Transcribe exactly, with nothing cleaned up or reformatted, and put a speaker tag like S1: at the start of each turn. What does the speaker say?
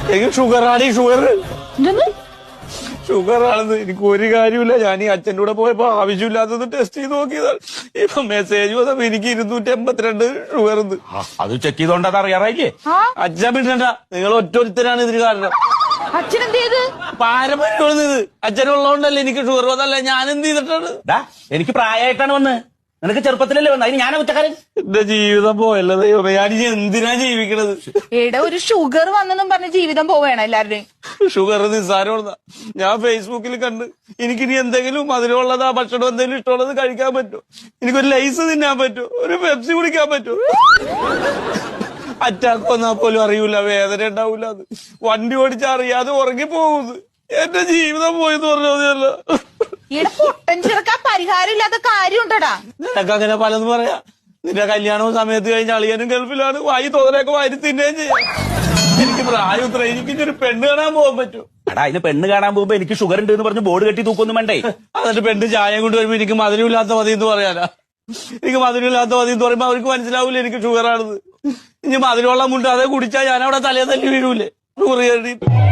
S1: എനിക്ക് ഷുഗറാണ് ഈ ഷുഗർ ഷുഗറാണെന്ന് എനിക്ക് ഒരു കാര്യമില്ല. ഞാൻ ഈ അച്ഛൻ്റെ കൂടെ പോയപ്പോ ആവശ്യമില്ലാത്തത് ടെസ്റ്റ് ചെയ്ത് നോക്കിയതാണ്. ഇപ്പൊ മെസ്സേജ് വന്നപ്പോ എനിക്ക് ഇരുന്നൂറ്റി എൺപത്തിരണ്ട് ഷുഗർ.
S2: അത് ചെക്ക് ചെയ്തോണ്ട് അത് അറിയാറായില്ലേ?
S1: അച്ഛൻ പിന്നണ്ട, നിങ്ങൾ ഒറ്റൊരുത്തരാണ് ഇതിന് കാരണം.
S3: അച്ഛൻ എന്ത് ചെയ്ത്?
S1: പാരമ്പര്യമാണ് ഇത്. അച്ഛനുള്ളതുകൊണ്ടല്ലേ എനിക്ക് ഷുഗർ വന്നല്ല. ഞാൻ എന്ത് ചെയ്തിട്ടാണ്?
S2: എനിക്ക് പ്രായമായിട്ടാണ് വന്ന്, നിനക്ക് ചെറുപ്പത്തിലല്ലേ വന്നത്. അതിന് ഞാനാ കുറ്റക്കാരൻ.
S1: എന്റെ ജീവിതം പോയല്ലോ ദൈവമേ. ഞാൻ എന്തിനാ ജീവിക്കണത്?
S3: എടാ, ഒരു ഷുഗർ വന്നെന്നും പറഞ്ഞ് ജീവിതം പോവേണം എല്ലാവരുടെയും.
S1: ഷുഗർ നിസ്സാരമുള്ളതാ. ഞാൻ ഫേസ്ബുക്കിൽ കണ്ട് എനിക്കിനി എന്തെങ്കിലും മധുരമുള്ളതാ ഭക്ഷണം എന്തെങ്കിലും ഇഷ്ടമുള്ളത് കഴിക്കാൻ പറ്റുമോ? എനിക്കൊരു ലൈസ് തിന്നാൻ പറ്റുമോ? ഒരു പെപ്സി കുടിക്കാൻ പറ്റുമോ? അറ്റാക്ക് വന്നാൽ പോലും അറിയൂല, വേദന ഉണ്ടാവൂല. അത് വണ്ടി ഓടിച്ചാൽ അറിയാതെ ഉറങ്ങിപ്പോകുന്നത്. എന്റെ ജീവിതം പോയെന്ന് പറഞ്ഞതല്ല.
S3: ഇവിടെ പൊട്ടൻ ചെറുക്കാൻ പരിഹാരം ഇല്ലാത്ത കാര്യം ഉണ്ടടാ.
S1: നിനക്ക് അങ്ങനെ പലതും പറയാ. നിന്റെ കല്യാണവും സമയത്ത് കഴിഞ്ഞ അളിയനും ഗൾഫിലാണ്. വായി തോന്നലൊക്കെ വാരി തിന്നുകയും ചെയ്യാം. എനിക്ക് പ്രായം ഇത്ര. എനിക്ക് ഒരു പെണ്ണ് കാണാൻ പോകാൻ പറ്റും.
S2: എടാ, അതിന് പെണ്ണ് കാണാൻ പോകുമ്പോ എനിക്ക് ഷുഗർ ഉണ്ട് എന്ന് പറഞ്ഞ് ബോർഡ് കെട്ടി തൂക്കൊന്നും വേണ്ടേ?
S1: എന്നിട്ട് പെണ്ണ് ചായ കൊണ്ട് വരുമ്പോ എനിക്ക് മധുരമില്ലാത്ത മതി എന്ന് പറയാനാ? എനിക്ക് മധുരമില്ലാത്ത മതി എന്ന് പറയുമ്പോ അവർക്ക് മനസ്സിലാവൂല എനിക്ക് ഷുഗറാണെന്ന്. ഇനി മധുരമുള്ള മുണ്ട് അതേ കുടിച്ചാൽ ഞാൻ അവിടെ തലേ തല്ലി വീഴൂലേ ഷുഗർ കയറിയിട്ട്?